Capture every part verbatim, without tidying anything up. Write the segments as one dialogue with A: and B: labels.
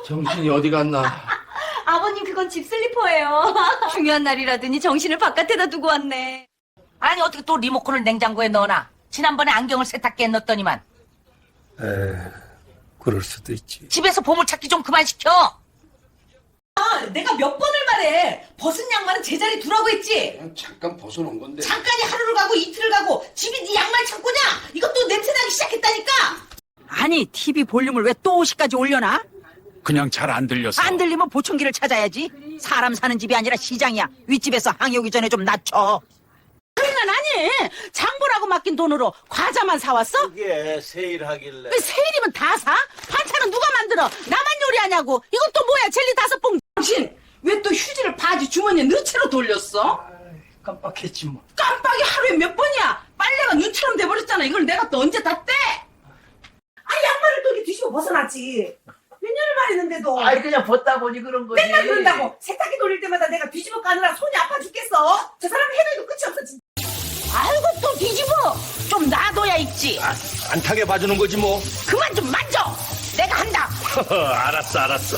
A: 정신이 어디 갔나?
B: 아버님 그건 집 슬리퍼예요. 중요한 날이라더니 정신을 바깥에다 두고 왔네.
C: 아니 어떻게 또 리모컨을 냉장고에 넣어놔? 지난번에 안경을 세탁기에 넣었더니만.
A: 에, 그럴 수도 있지.
C: 집에서 보물찾기 좀 그만 시켜.
B: 아, 내가 몇 번을 말해. 벗은 양말은 제자리 두라고 했지.
A: 그냥 잠깐 벗어놓은 건데.
B: 잠깐이 하루를 가고 이틀을 가고 집이 네 양말 창고냐? 이것도 냄새나기 시작했다니까.
C: 아니 티비 볼륨을 왜 또 오십까지 올려놔?
D: 그냥 잘 안 들려서.
C: 안 들리면 보청기를 찾아야지. 사람 사는 집이 아니라 시장이야. 윗집에서 항이 오기 전에 좀 낮춰. 그러니까 아니 장보라고 맡긴 돈으로 과자만 사왔어?
E: 그게 세일하길래.
C: 왜 세일이면 다 사? 반찬은 누가 만들어? 나만 요리하냐고. 이건 또 뭐야 젤리 다섯 봉지.
B: 당신 왜 또 휴지를 바지 주머니에 넣채로 돌렸어?
A: 깜빡했지 뭐.
B: 깜빡이 하루에 몇 번이야? 빨래가 눈처럼 돼버렸잖아. 이걸 내가 또 언제 다 떼? 아 양말을 또 이렇게 뒤집어 벗어놨지. 몇 년을 말했는데도.
E: 아이 그냥 벗다 보니 그런 거지.
B: 맨날 그런다고. 세탁기 돌릴 때마다 내가 뒤집어 까느라 손이 아파 죽겠어. 저 사람 해도 해도 끝이 없어 진짜.
C: 아이고 또 뒤집어. 좀 놔둬야 있지.
E: 아, 안 타게 봐주는 거지 뭐.
C: 그만 좀 만져. 내가 한다.
E: 알았어 알았어.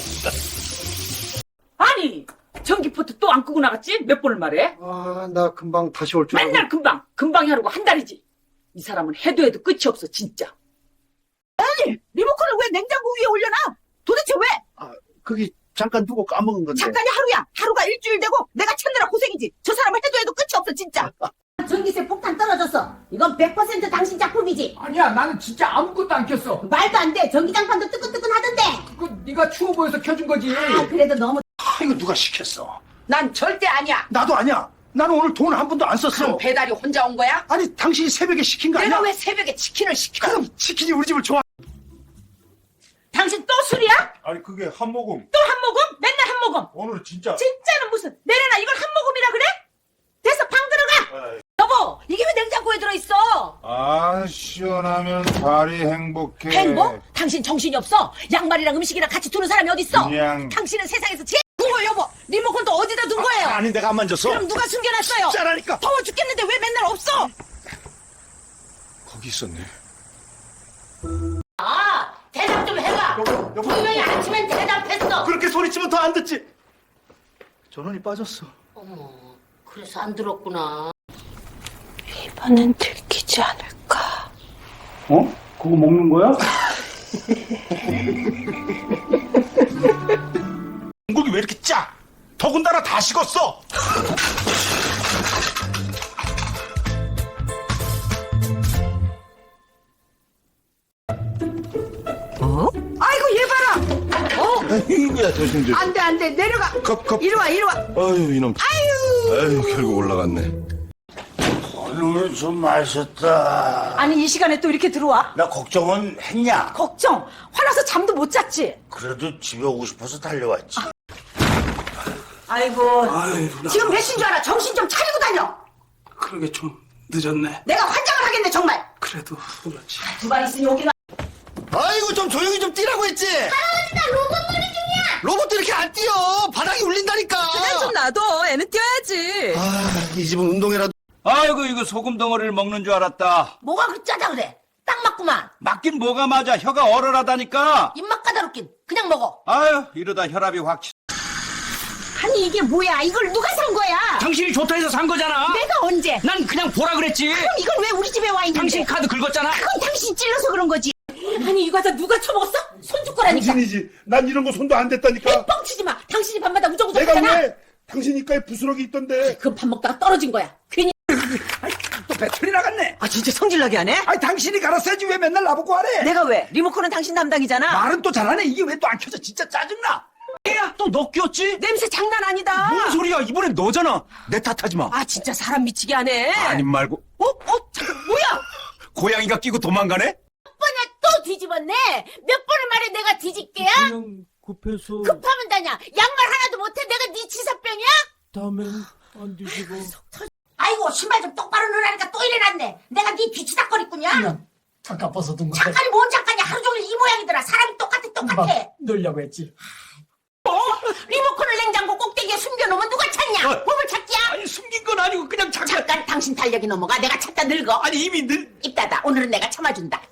F: 아니 전기포트 또 안 끄고 나갔지? 몇 번을 말해?
A: 아, 나 금방 다시 올 줄 알고.
F: 맨날 금방 금방이 하루고 한 달이지. 이 사람은 해도 해도 끝이 없어 진짜.
C: 리모컨을 왜 냉장고 위에 올려놔? 도대체 왜?
A: 아, 그게 잠깐 두고 까먹은 건데.
C: 잠깐이 하루야. 하루가 일주일 되고 내가 찾느라 고생이지. 저 사람을 해도 해도 끝이 없어 진짜.
B: 전기세 폭탄 떨어졌어. 이건 백 퍼센트 당신 작품이지.
G: 아니야, 나는 진짜 아무것도 안 켰어.
B: 말도 안 돼. 전기장판도 뜨끈뜨끈 하던데.
G: 그 네가 추워 보여서 켜준 거지.
B: 아, 그래도 너무.
A: 아, 이거 누가 시켰어?
F: 난 절대 아니야.
A: 나도 아니야. 나는 오늘 돈 한 푼도 안 썼어.
F: 그럼 배달이 혼자 온 거야?
A: 아니, 당신이 새벽에 시킨 거 아니야?
F: 내가 왜 새벽에 치킨을 시켜?
A: 그럼 치킨이 우리 집을 좋아.
F: 당신 또 술이야?
H: 아니 그게 한 모금.
F: 또 한 모금? 맨날 한 모금.
H: 오늘 진짜.
F: 진짜는 무슨? 내려놔 이걸 한 모금이라 그래? 됐어 방 들어가.
H: 아이.
F: 여보 이게 왜 냉장고에 들어있어?
H: 아 시원하면 발이 행복해.
F: 행복? 당신 정신이 없어? 양말이랑 음식이랑 같이 두는 사람이 어딨어?
H: 그냥.
F: 당신은 세상에서 제일 무거워 여보. 리모컨 또 어디다 둔 거예요?
E: 아니 내가 안 만졌어.
F: 그럼 누가 숨겨놨어요?
E: 짜라니까.
F: 더워 죽겠는데 왜 맨날 없어?
H: 거기 있었네.
C: 아 대답 좀 해봐. 분명히 아침엔 대답했어.
E: 그렇게 소리치면 더 안 듣지.
A: 전원이 빠졌어.
C: 어머 그래서 안 들었구나.
B: 이번엔 들키지 않을까.
A: 어? 그거 먹는 거야?
E: 공국이 왜 이렇게 짜? 더군다나 다 식었어.
B: 아이고 얘 봐라. 어?
H: 야 조심조심.
B: 안돼 안돼 내려가.
H: 컵 컵.
B: 이리 와 이리 와.
H: 아유 이놈. 아유. 아유 결국 올라갔네.
E: 오늘 좀 마셨다.
F: 아니 이 시간에 또 이렇게 들어와?
E: 나 걱정은 했냐?
F: 걱정. 화나서 잠도 못 잤지?
E: 그래도 집에 오고 싶어서 달려왔지.
F: 아이고
A: 아유, 나
F: 지금 몇 시인 줄 알아? 정신 좀 차리고 다녀.
A: 그러게 좀 늦었네.
F: 내가 환장을 하겠네 정말.
A: 그래도 그렇지.
F: 두 발 있으니 오기나.
E: 아이고 좀 조용히 좀 뛰라고 했지.
B: 할아버지 나 로봇 놀이 중이야.
E: 로봇도 이렇게 안 뛰어. 바닥이 울린다니까.
B: 좀 놔둬. 애는 뛰어야지.
E: 아, 이 집은 운동이라도.
D: 아이고 이거 소금 덩어리를 먹는 줄 알았다.
C: 뭐가 그리 짜다 그래? 딱 맞구만.
D: 맞긴 뭐가 맞아. 혀가 얼얼하다니까.
C: 입맛 까다롭긴. 그냥 먹어.
D: 아유 이러다 혈압이 확 치.
C: 아니 이게 뭐야? 이걸 누가 산 거야?
D: 당신이 좋다 해서 산 거잖아.
C: 내가 언제?
D: 난 그냥 보라 그랬지.
C: 그럼 이건 왜 우리 집에 와 있는데?
D: 당신 카드 긁었잖아.
C: 그건 당신 찔러서 그런 거지. 아니 이 과자 누가 처먹었어? 손 줄 거라니까.
H: 당신이지. 난 이런 거 손도 안 댔다니까.
C: 뻥치지 마. 당신이 밤마다 우정우정
H: 내가
C: 하잖아.
H: 왜? 당신 입가에 부스러기 있던데.
C: 그건 밥 먹다가 떨어진 거야. 괜히.
G: 또 배터리 나갔네.
F: 아 진짜 성질나게 하네?
G: 아니 당신이 갈았어야지 왜 맨날 나보고 하래?
F: 내가 왜? 리모컨은 당신 담당이잖아.
G: 말은 또 잘하네. 이게 왜 또 안 켜져? 진짜 짜증나.
D: 야, 또 너 끼웠지?
F: 냄새 장난 아니다.
D: 뭔 소리야? 이번엔 너잖아. 내 탓하지 마.
F: 아 진짜 사람 미치게 하네.
D: 아님 말고.
F: 어? 어? 잠깐 뭐야?
D: 고양이가 끼고 도망가네?
C: 번에 또 뒤집었네. 몇 번을 말해 내가 뒤집게야?
D: 그냥 급해서
C: 급하면 다냐. 양말 하나도 못해. 내가 네 치사병이야?
D: 다음엔 안 뒤집어.
C: 아이고 신발 좀 똑바로 넣으라니까 또 이래놨네. 내가 네 뒤치다거리꾼이야?
G: 잠깐 벗어둔 거.
C: 잠깐이 뭔 잠깐이야. 하루 종일 이 모양이더라. 사람이 똑같아 똑같아.
G: 넣으려고 했지.
C: 리모컨을 냉장고 꼭대기에 숨겨놓으면 누가 찾냐?
D: 어.
C: 보물 찾기야?
D: 아니 숨긴 건 아니고 그냥 잠깐.
C: 잠깐 당신 달력이 넘어가. 내가 찾다 늙어.
D: 아니 이미 늘.
C: 입 닫아. 오늘은 내가 참아준다. 자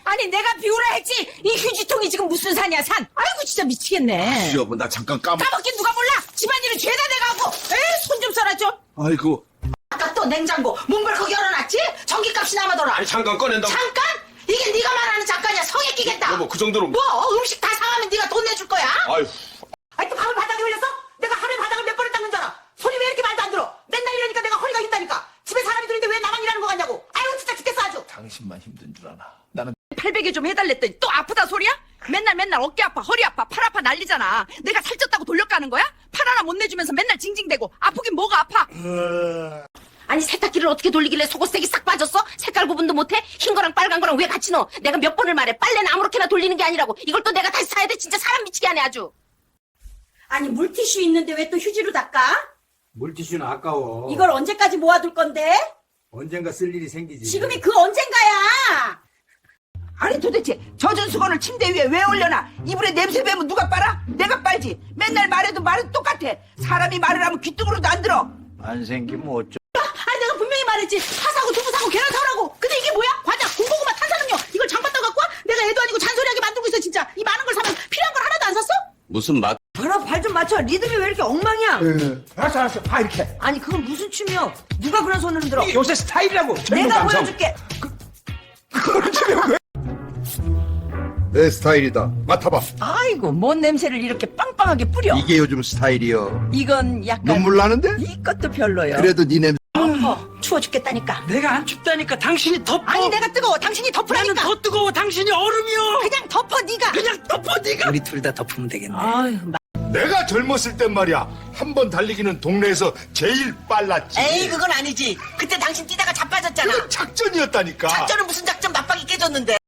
B: 아니 내가 비우라 했지. 이 휴지통이 지금 무슨 산이야 산. 아이고 진짜 미치겠네.
H: 여보, 나 잠깐 까먹.
B: 까먹긴 누가 몰라. 집안일은 죄다 내가 하고. 에이 손 좀 써라 좀.
H: 아이고.
B: 아까 또 냉장고 문벌컥 열어놨지? 전기값이 남아더라.
H: 아니, 잠깐 꺼낸다.
B: 잠깐? 이게 네가 말하는 잠깐이야. 성에 끼겠다.
H: 여보, 그 정도로.
B: 뭐 음식 다 상하면 네가 돈 내줄 거야?
H: 아유.
B: 아니 또 밥을 바닥에 흘렸어? 내가 하루에 바닥을 몇 번을 닦는 줄 알아? 손이 왜 이렇게 말도 안 들어? 맨날 이러니까 내가 허리가 흰다니까. 집에 사람이 들는데 왜 나만 일하는 거 같냐고. 아유 진짜 죽겠어 아주.
G: 당신만 힘든 줄 아나. 나는
F: 팔베개 좀 해달랬더니 또 아프다 소리야? 맨날 맨날 어깨 아파 허리 아파 팔 아파 난리잖아. 내가 살쪘다고 돌려가는 거야? 팔 하나 못 내주면서 맨날 징징대고 아프긴 뭐가 아파?
B: 아니 세탁기를 어떻게 돌리길래 속옷색이 싹 빠졌어? 색깔 구분도 못해? 흰 거랑 빨간 거랑 왜 같이 넣어? 내가 몇 번을 말해. 빨래는 아무렇게나 돌리는 게 아니라고. 이걸 또 내가 다시 사야 돼? 진짜 사람 미치게 하네 아주. 아니 물티슈 있는데 왜 또 휴지로 닦아?
I: 물티슈는 아까워.
B: 이걸 언제까지 모아둘 건데?
I: 언젠가 쓸 일이 생기지.
B: 지금이 그 언젠가야.
C: 아니 도대체 젖은 수건을 침대 위에 왜 올려놔? 이불에 냄새 배면 누가 빨아? 내가 빨지. 맨날 말해도 말은 똑같아. 사람이 말을 하면 귀뚱으로도 안 들어.
I: 안 생기면 어쩌.
B: 아니 내가 분명히 말했지. 파 사고 두부 사고 계란 사라고. 근데 이게 뭐야? 과자, 군고구마, 탄산음료. 이걸 장바닥 갖고 와? 내가 애도 아니고 잔소리하게 만들고 있어 진짜. 이 많은 걸 사면 필요한 걸 하나도 안 샀어?
H: 무슨 맛?
C: 봐라 발 좀 맞춰. 리듬이 왜 이렇게 엉망이야?
G: 알았어 알았어. 봐 이렇게.
C: 아니 그건 무슨 춤이야? 누가 그런 손을 흔들어?
G: 이게 요새 스타일이라고. 젊은
C: 내가
G: 감성.
C: 보여줄게.
G: 그걸 지금 왜?
H: 내 스타일이다. 맡아봐.
C: 아이고 뭔 냄새를 이렇게 빵빵하게 뿌려.
H: 이게 요즘 스타일이여.
C: 이건 약간
H: 눈물 나는데?
C: 이것도 별로요.
H: 그래도 네 냄새.
C: 덮어. 추워 죽겠다니까.
A: 내가 안 춥다니까 당신이 덮어.
C: 아니 내가 뜨거워. 당신이
A: 나는
C: 덮으라니까.
A: 더 뜨거워. 당신이 얼음이요.
C: 그냥 덮어 네가.
A: 그냥 덮어 네가. 우리 둘 다 덮으면 되겠네.
C: 아유,
H: 내가 젊었을 땐 말이야. 한 번 달리기는 동네에서 제일 빨랐지.
C: 에이 그건 아니지. 그때 당신 뛰다가 자빠졌잖아.
H: 그건 작전이었다니까.
C: 작전은 무슨 작전 맞박이 깨졌는데.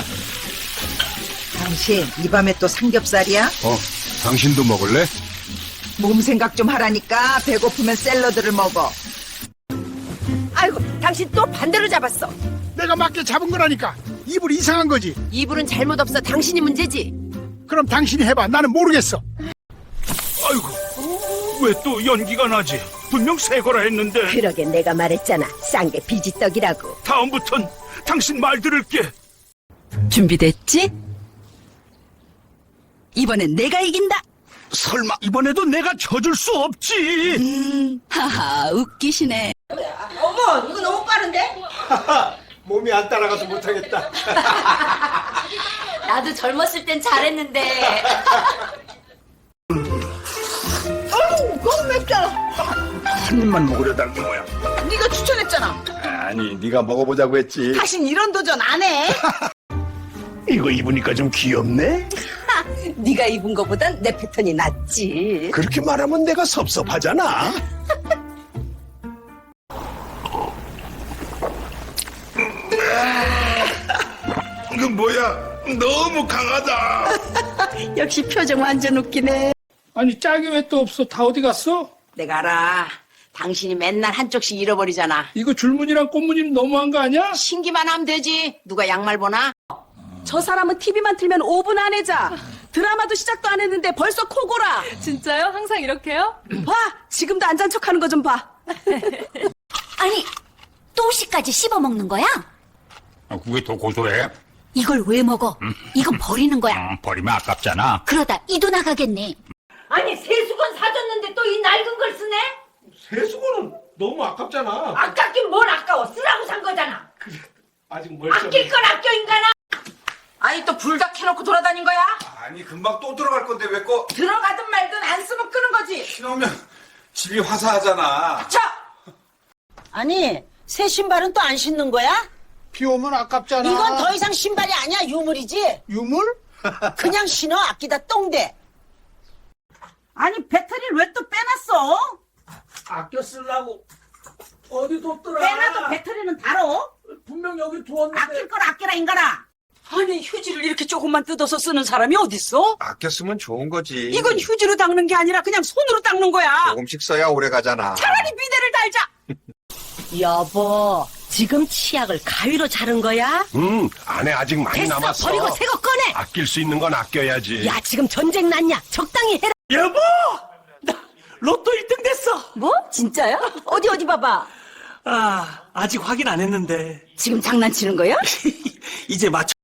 C: 당신 이 밤에 또 삼겹살이야?
H: 어, 당신도 먹을래?
C: 몸 생각 좀 하라니까. 배고프면 샐러드를 먹어. 아이고 당신 또 반대로 잡았어.
G: 내가 맞게 잡은 거라니까. 이불 이상한 거지.
B: 이불은 잘못 없어. 당신이 문제지.
G: 그럼 당신이 해봐. 나는 모르겠어.
E: 아이고. 왜 또 연기가 나지? 분명 새 거라 했는데.
B: 그러게 내가 말했잖아. 싼 게 비지떡이라고.
E: 다음부턴 당신 말 들을게.
C: 준비됐지? 이번엔 내가 이긴다.
E: 설마 이번에도 내가 져줄 수 없지.
C: 하하 웃기시네.
B: 어머 이거 너무 빠른데?
I: 몸이 안 따라가서 못하겠다.
B: 나도 젊었을 땐 잘했는데.
C: 어우 너무 맵다.
E: 한 입만 먹으려 달는 거야.
C: 네가 추천했잖아.
H: 아니, 네가 먹어보자고 했지.
C: 다신 이런 도전 안 해.
E: 이거 입으니까 좀 귀엽네.
B: 네가 입은 거보단 내 패턴이 낫지.
E: 그렇게 말하면 내가 섭섭하잖아.
H: 이거 뭐야? 너무 강하다.
C: 역시 표정 완전 웃기네.
A: 아니 짝이 왜 또 없어? 다 어디 갔어?
C: 내가 알아. 당신이 맨날 한쪽씩 잃어버리잖아.
A: 이거 줄무늬랑 꽃무늬는 너무한 거 아니야?
C: 신기만 하면 되지. 누가 양말 보나?
B: 저 사람은 티비만 틀면 오 분 안에 자. 드라마도 시작도 안 했는데 벌써 코골아.
F: 진짜요? 항상 이렇게요?
B: 봐. 지금도 안 잔 척하는 거 좀 봐.
J: 아니, 또시까지 씹어먹는 거야?
D: 아, 그게 더 고소해.
J: 이걸 왜 먹어? 이건 버리는 거야.
D: 음, 버리면 아깝잖아.
J: 그러다 이도 나가겠네.
B: 아니 세수건 사줬는데 또 이 낡은 걸 쓰네?
A: 세수건은 너무 아깝잖아.
B: 아깝긴 뭘 아까워. 쓰라고 산 거잖아.
A: 아직 멀쩡해.
B: 아낄 건 아껴 인간아.
C: 아니 또 불 다 켜놓고 돌아다닌 거야?
I: 아니 금방 또 들어갈 건데 왜 거?
C: 들어가든 말든 안 쓰면 끄는 거지.
I: 그러면 집이 화사하잖아.
C: 자. 아니 새 신발은 또 안 신는 거야?
G: 비 오면 아깝잖아.
C: 이건 더 이상 신발이 아니야. 유물이지.
G: 유물?
C: 그냥 신어. 아끼다 똥대. 아니 배터리를 왜 또 빼놨어?
A: 아껴 쓰려고 어디 뒀더라?
C: 빼놔도 배터리는 달어.
A: 분명 여기 두었는데.
C: 아낄 걸 아껴라 인간아. 아니 휴지를 이렇게 조금만 뜯어서 쓰는 사람이 어딨어?
I: 아껴 쓰면 좋은 거지.
C: 이건 휴지로 닦는 게 아니라 그냥 손으로 닦는 거야.
I: 조금씩 써야 오래 가잖아.
C: 차라리 비데를 달자.
B: 여보, 지금 치약을 가위로 자른 거야?
H: 음, 안에 아직 많이
B: 됐어,
H: 남았어.
B: 버리고 새 거 꺼내.
H: 아낄 수 있는 건 아껴야지.
B: 야, 지금 전쟁 났냐? 적당히 해라.
A: 여보, 나 로또 일 등 됐어.
B: 뭐? 진짜요? 어디 어디 봐봐.
A: 아, 아직 확인 안 했는데
B: 지금 장난치는 거야?
A: 이제 맞춰.